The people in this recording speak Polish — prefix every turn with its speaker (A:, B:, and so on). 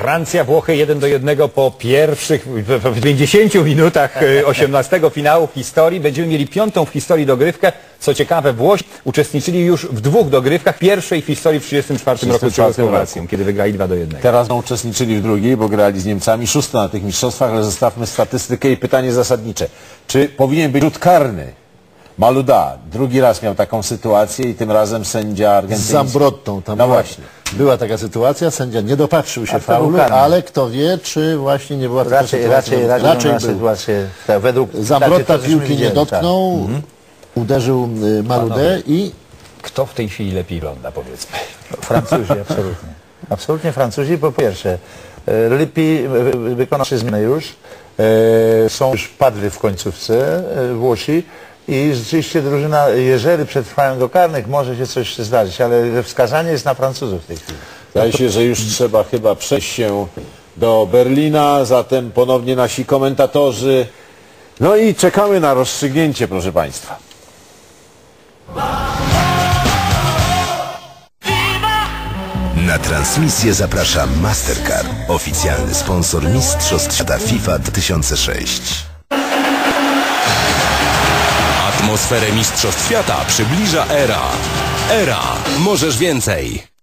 A: Francja, Włochy 1-1 po pierwszych w 50 minutach 18 finału w historii. Będziemy mieli 5. w historii dogrywkę. Co ciekawe, Włosi uczestniczyli już w 2 dogrywkach. Pierwszej w historii w 1934 roku z Czechosłowacją, kiedy wygrali 2-1.
B: Teraz uczestniczyli w drugiej, bo grali z Niemcami, 6. na tych mistrzostwach, ale zostawmy statystykę i pytanie zasadnicze. Czy powinien być rzut karny? Malouda drugi raz miał taką sytuację i tym razem sędzia argentyński.
C: Z Zambrottą. Tam
B: no właśnie.
C: Była taka sytuacja, sędzia nie dopatrzył się faulu, ale kto wie, czy właśnie nie była taka sytuacja.
D: Raczej sytuację, tak, według
C: Zambrotta piłki nie dotknął, uderzył Maloudę i...
A: Kto w tej chwili lepiej wygląda, powiedzmy?
D: Francuzi, absolutnie. Absolutnie Francuzi, po pierwsze. Lepiej wykonał się zmianę już. Są już padli w końcówce Włosi. I rzeczywiście drużyna, jeżeli przetrwają do karnych, może się coś zdarzyć, ale wskazanie jest na Francuzów w tej chwili.
B: Zdaje się, że już trzeba chyba przejść się do Berlina, zatem ponownie nasi komentatorzy. No i czekamy na rozstrzygnięcie, proszę Państwa.
E: Na transmisję zaprasza Mastercard, oficjalny sponsor Mistrzostw Świata FIFA 2006.
F: Atmosferę Mistrzostw Świata przybliża ERA. ERA. Możesz więcej.